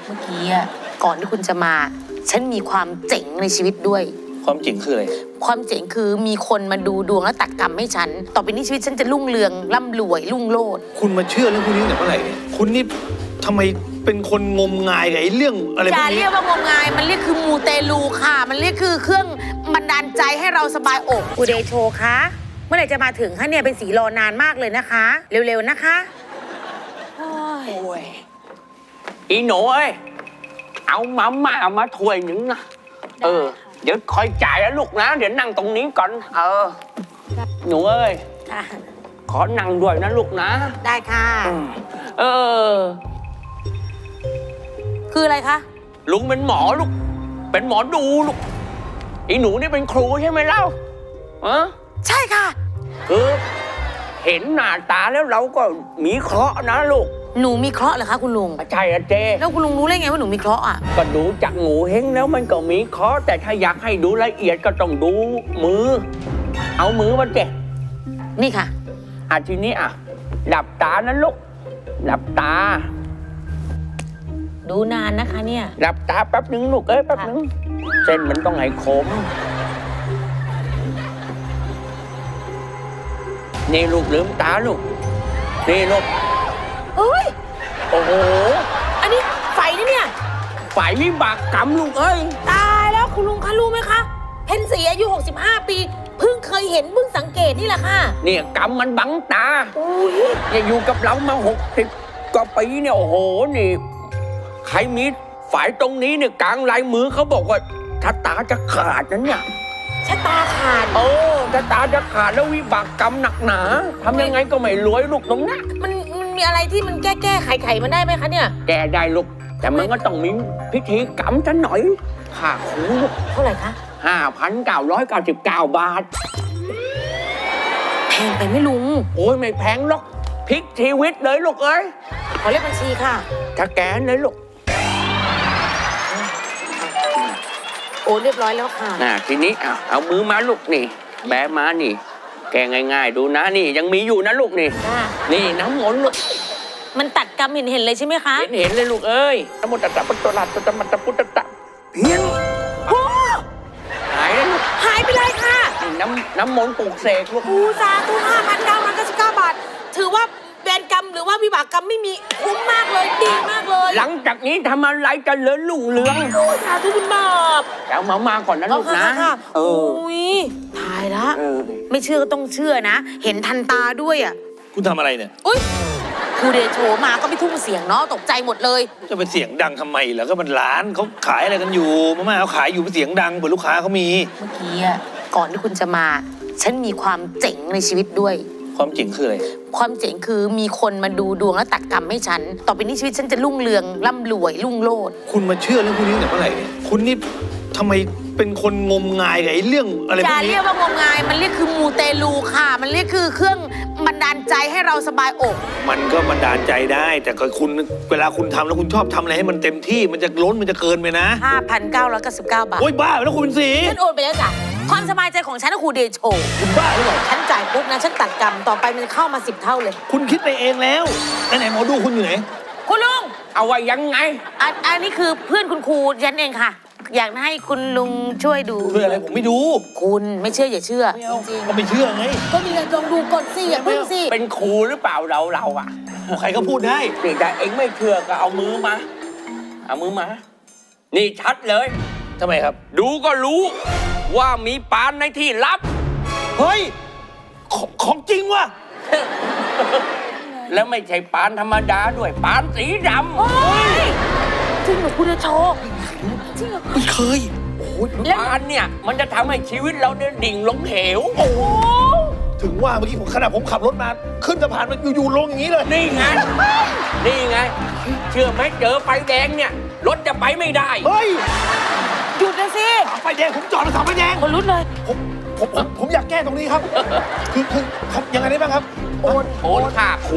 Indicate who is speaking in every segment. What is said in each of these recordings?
Speaker 1: มื่อกี้อะก่อนที่คุณจะมาฉันมีความเจ๋งในชีวิตด้วย
Speaker 2: ความเจ๋งคืออะไร
Speaker 1: ความเจ๋งคือมีคนมาดูดวงแล้วตัดกรรมให้ฉันต่อไปนี้ชีวิตฉันจะรุ่งเรืองร่ำรวยรุ่งโรจน์
Speaker 2: คุณมาเชื่อเรื่องพวกนี้ตั้งแต่เมื่อไหร่เนี่ยคุณนี่ทำไมเป็นคนงมงายกับไอ้เรื่องอะไรพวกนี้
Speaker 1: อย่าเรียกว่างมงายมันเรียกคือมูเตลูค่ะมันเรียกคือเครื่องบันดาลใจให้เราสบายอกกูเดโชคะเมื่อไหร่จะมาถึงคะเนี่ยเป็นสีรอนานมากเลยนะคะเร็วๆนะคะ
Speaker 3: โอ้ยอีหนูเอ้ยเอามาถ้วยหนึ่งนะเดี๋ยวคอยจ่ายนะลูกนะเดี๋ยวนั่งตรงนี้ก่อนหนูเอ้ยขอนั่งด้วยนะลูกนะ
Speaker 1: ได้ค่ะคืออะไรคะ
Speaker 3: ลุงเป็นหมอลูกเป็นหมอดูลูกอีหนูนี่เป็นครูใช่ไหมเล่า
Speaker 1: ใช่ค่ะ
Speaker 3: คือเห็นหน้าตาแล้วเราก็มีเคราะห์นะลูก
Speaker 1: หนูมีเคราะห์เหรอคะคุณลุง
Speaker 3: ใช่อะเจ
Speaker 1: แล้วคุณลุงรู้ได้ไงว่าหนูมีเคราะห์อ่ะ
Speaker 3: ก็ดูจากงูเฮงแล้วมันก็มีเคราะห์แต่ถ้าอยากให้ดูละเอียดก็ต้องดูมือเอามือมาเจ
Speaker 1: นี่ค่ะ
Speaker 3: ทีนี้หลับตานะลูกหลับตา
Speaker 1: ดูนานนะคะเนี่ย
Speaker 3: หลับตาแป๊บนึงลูกแป๊บนึงเส้นมันต้องให้คมนี่ลูกลืมตาลูกนี่ลูก
Speaker 1: เฮ้ย
Speaker 3: โอ้โห
Speaker 1: อันนี้ไฟนี่เนี่ย
Speaker 3: ไฟวิบากกรรมลูกเอ้ย
Speaker 1: ตายแล้วคุณลุงคะรู้ไหมคะเพ็ญศรีอายุ65 ปีเพิ่งเคยเห็นเพิ่งสังเกตนี่แหละค่ะ
Speaker 3: เนี่ยกรรมมันบังตาเนี่ยอยู่กับเรามา60 กว่าปีเนี่ยโอ้โหนี่ใครมีฝ่ายตรงนี้เนี่ยกลางลายมือเขาบอกว่าชะตาจะขาดนะเนี่ย
Speaker 1: ชะตาขาด
Speaker 3: ชะตาจะขาดแล้ววิบากกรรมหนักหนาทำยังไงก็ไม่รวยลูกตรงนั้น
Speaker 1: มันมีอะไรที่มันแก้ไขมันได้ไหมคะเนี่ย
Speaker 3: แก้ได้ลูกแต่มันก็ต้องมีพิธีกรรมซะหน่อยค่าครูลูก
Speaker 1: เท่าไหร่คะ
Speaker 3: 5,999 บาท
Speaker 1: แพงไปไหมลุง
Speaker 3: โอ้ยไม่แพงหรอกพลิกชีวิตเลยลูกเอ้ย
Speaker 1: ขอเลขบัญชีค่ะ
Speaker 3: ถ้าแกนเลยลูก
Speaker 1: โอ้เรียบร้อยแล้วค่ะ
Speaker 3: ทีนี้เอามือมาลูกนี่แบมานี่แกง่ายๆดูนะนี่ยังมีอยู่นะลูกนี่นี่น้ำมนต์ลูก
Speaker 1: มันตัดกรรมเห็นเลยใช่ไหมคะ
Speaker 3: เห็นเลยลูกเอ้ยนโมตัสสะพุทโธรัตตะมัตตะพุทธะเพี้ยน
Speaker 1: โอ้
Speaker 3: หายแล้วลูก
Speaker 1: หายไปเลยค่ะ
Speaker 3: น้ำมนต์ปลูกเสกลูก
Speaker 1: สาธุ5,999 บาทถือว่าเวรกรรมหรือว่าวิบากกรรมไม่มีคุ้มมากเลยดีมากเลย
Speaker 3: หลังจากนี้ทำอะไรกันเลิศรุ่งเรือง
Speaker 1: สาธุคุณบาป
Speaker 3: แล้วมาก่อนนะลูกนะ
Speaker 1: โอ้ยตายละไม่เชื่อก็ต้องเชื่อนะเห็นทันตาด้วยอ่ะ
Speaker 2: คุณทำอะไรเนี่ย
Speaker 1: อุ้ยครูเดโชมาก็ไม่ทุ่งเสียงเนาะตกใจหมดเลย
Speaker 2: จะเป็นเสียงดังทำไมแล้วก็มันร้านเขาขายอะไรกันอยู่มาเขาขายอยู่เป็นเสียงดังเผื่อลูกค้าเขามี
Speaker 1: เมื่อกี้อ่ะก่อนที่คุณจะมาฉันมีความเจ๋งในชีวิตด้วย
Speaker 2: ความเจ๋งคืออะไร
Speaker 1: ความเจ๋งคือมีคนมาดูดวงแล้วตัดกรรมให้ฉันต่อไปนี้ชีวิตฉันจะรุ่งเรืองร่ำรวยรุ่งโรจน์
Speaker 2: คุณมาเชื่อเรื่องพวกนี้ตั้งแต่เมื่อไหร่เนี่ยคุณนี่ทำไมเป็นคนงมงายกับไอ้เรื่องอะไรพวกนี้
Speaker 1: อย่าเรียกว่างมงายมันเรียกคือมูเตลูค่ะมันเรียกคือเครื่องบันดาลใจให้เราสบายอก
Speaker 2: มันก็บันดาลใจได้แต่ก็คุณเวลาคุณทำแล้วคุณชอบทำอะไรให้มันเต็มที่มันจะล้นมันจะเกินไปนะ
Speaker 1: 5,999 บาท
Speaker 2: โอ๊ยบ้าแล้วคุณเป็นสี
Speaker 1: ฉันโอนไปแล้วจ้ะความสบายใจของฉันนะครูเดโช
Speaker 2: คุณบ้าหรือเปล่า
Speaker 1: ฉันจ่ายปุ๊บนะฉันตัดกรรมต่อไปมันเข้ามา10 เท่าเลย
Speaker 2: คุณคิดไปเองแล้วไหนหมอดูคุณอยู่ไหน
Speaker 1: คุณลุง
Speaker 3: เอาไว้ยังไง
Speaker 1: อันนี้คือเพื่อนคุณครูฉันเองค่ะอยากให้คุณลุงช่วยดู
Speaker 2: เพื่ออะไรผมไม่ดู
Speaker 1: คุณไม่เชื่ออย่าเชื่อ
Speaker 2: จริงก็ไม่เชื่อไง
Speaker 1: ก็มีอะไรลองดูก่อนสิอย่าเพิ่งสิ
Speaker 3: เป็นครูหรือเปล่าเราอ่ะ
Speaker 2: ใครก็พูดได้
Speaker 3: แต่เองไม่เชื่อก็เอามือมานี่ชัดเลย
Speaker 2: ทำไมครับ
Speaker 3: ดูก็รู้ว่ามีปานในที่ลับ
Speaker 2: เฮ้ยของจริงว่ะ
Speaker 3: แล้วไม่ใช่ปานธรรมดาด้วยปานสีดำ
Speaker 1: เฮ้ยจริงเหรอคุณจะโชว์
Speaker 2: จริงเหรอไม่เคย
Speaker 3: โอ้ยปานเนี่ยมันจะทำให้ชีวิตเราเนี่ยดิ่งลงเหว
Speaker 2: โอ้ถึงว่าเมื่อกี้ขณะผมขับรถมาขึ้นสะพานมันอยู่ลงอย่างนี้เลย
Speaker 3: นี่ไงเชื่อไหมเจอไฟแดงเนี่ยรถจะไปไม่ได้
Speaker 2: เฮ้ย
Speaker 1: หยุดนะสิ
Speaker 2: ไฟแดงผมจอดแล้วไฟแดง
Speaker 1: คนรุ้นเลย
Speaker 2: ผมอยากแก้ตรงนี้ครับคือยังไงได้บ้างครับ
Speaker 3: โอนค่าครู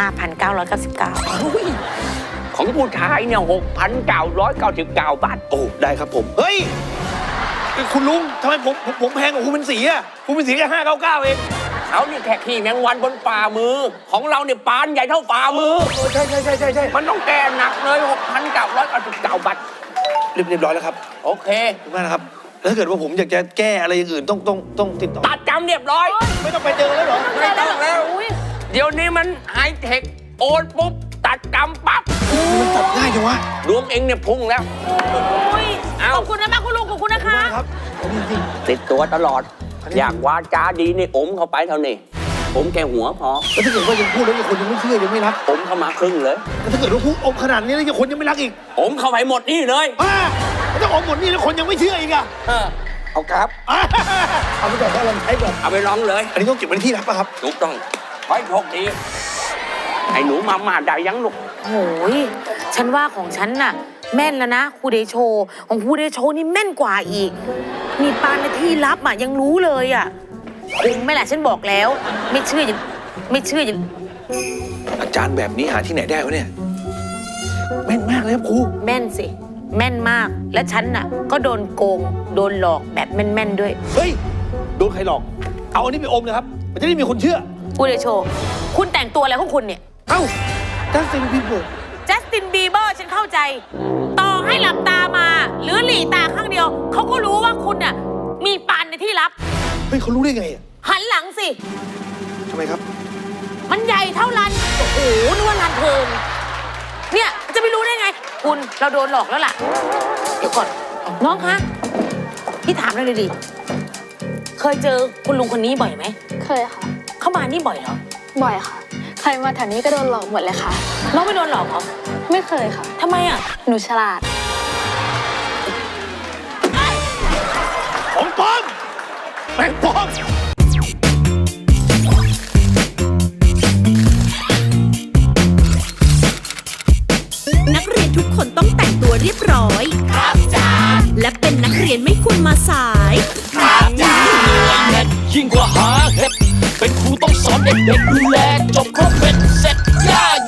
Speaker 1: 5,999
Speaker 3: ของผู้ชายเนี่ย6,999 บาท
Speaker 2: โอ้ได้ครับผมเฮ้ยคุณลุงทำไมผมแพงกว่าคุณเป็นสีอ่ะคุณเป็นสีแค่599เอง
Speaker 3: เขานี่แค่ขี่แมงวันบนฝ่ามือ ของเราเนี่ยปานใหญ่เท่าฝ่ามือ
Speaker 2: ใช่
Speaker 3: มันต้องแก้หนักเลย 6,999 บาท
Speaker 2: เรียบร้อยแล้วครับ
Speaker 3: โอเค
Speaker 2: ขอบคุณมากนะครับแล้วถ้าเกิดว่าผมอยากจะแก้อะไรอย่างอื่นต้องติดต่อ
Speaker 3: ตัดจำเรียบร้อย
Speaker 2: ไม่ต้องไปเจอแล้วเหรอ
Speaker 3: ไม่ต้องแล้ว เดี๋ยวนี้มันไฮเทคโอนปุ๊บ ตัดจำปั๊บ
Speaker 2: มันตัดง่ายจังวะ
Speaker 3: ดวงเองเนี่ยพุ่งแล้ว
Speaker 1: อุ้ย
Speaker 3: เอ้า
Speaker 1: ขอบคุณนะคุณลุงขอบคุณนะคะ
Speaker 2: ครับจริง
Speaker 3: ติดตัวตลอด อยากวาจาดีนี่อมเข้าไปเท่านี้ผมแค่หัวพอ
Speaker 2: ๆแล้วถ้าเกิดว่ายังพูดแล้วยังคนยังไม่เชื่อยังไม่รัก
Speaker 3: อมเข้ามาครึ่งเลย
Speaker 2: แล้วถ้าเกิดว่าพูดอมขนาดนี้แล้วยังคนยังไม่รักอีก
Speaker 3: อมเข้าไปหมดนี่เลย
Speaker 2: แล้วถ้าอมหมดนี่แล้วคนยังไม่เชื่ออีกอ่ะ
Speaker 3: เอาครับ
Speaker 2: เอาไปก่อนลองใช้ก่อน
Speaker 3: เอาไปลองเลย
Speaker 2: อันนี้ต้องเก็บไว้ในที่ลับป่ะครับ
Speaker 3: ถูกต้องไว้โชคดีไอ้หนูมาได้ยังลูก
Speaker 1: โอ้ยฉันว่าของฉันน่ะ แม่นแล้วนะครูเดโชของครูเดโชนี่แม่นกว่าอีก มีปานในที่ลับอ่ะยังรู้เลยอ่ะคุ้มไหม่ล่ะฉันบอกแล้ว ไม่เชื่ออย่า
Speaker 2: อาจารย์แบบนี้หาที่ไหนได้วะเนี่ยแม่นมากเลยครับครู
Speaker 1: แม่นสิ แม่นมาก และฉันน่ะ ก็โดนโกง โดนหลอกแบบแม่นๆด้วย
Speaker 2: เฮ้ยโดนใครหลอกเอาอันนี้ไปอมนะครับมันจะได้มีคนเชื่อ
Speaker 1: ครูเดโชคุณแต่งตัวอะไรของคุณเนี่ย
Speaker 2: เอ้าจัสตินบีเบอร์
Speaker 1: จัสตินบีเบอร์ฉันเข้าใจ ต่อให้หลับตามา หรือหลีตาข้างเดียว เขาก็รู้ว่าคุณน่ะ มีปานในที่ลับ
Speaker 2: เฮ้ยเขารู้ได้ไงอ่ะ
Speaker 1: หันหลังสิ
Speaker 2: ทำไมครับ
Speaker 1: มันใหญ่เท่าลัน โอ้โหนึกว่าลันเพลิงเนี่ยจะไม่รู้ได้ไง คุณเราโดนหลอกแล้วล่ะ เดี๋ยวก่อน น้องคะ พี่ถามหน่อยดิ เคยเจอคุณลุงคนนี้บ่อยไหม
Speaker 4: เคยค่ะ
Speaker 1: เข้ามานี่บ่อยเหรอ
Speaker 4: บ่อยค่ะ ใครมาแถวนี้ก็โดนหลอกหมดเลยค่ะ
Speaker 1: น้องไม่โดนหลอกเหรอ
Speaker 4: ไม่เคยค่ะ
Speaker 1: ทำไมอ่ะ
Speaker 4: หนูฉลาด
Speaker 2: ของปลอมแม่งปลอม
Speaker 5: นักเรียนทุกคนต้องแต่งตัวเรียบร้อย ครับจ้าและเป็นนักเรียนไม่ควรมาสาย
Speaker 6: ยิ่งกว่าหาเห็ดเป็นครูต้องสอนเด็กๆดูแลจบครบเป็นเสร็จย่า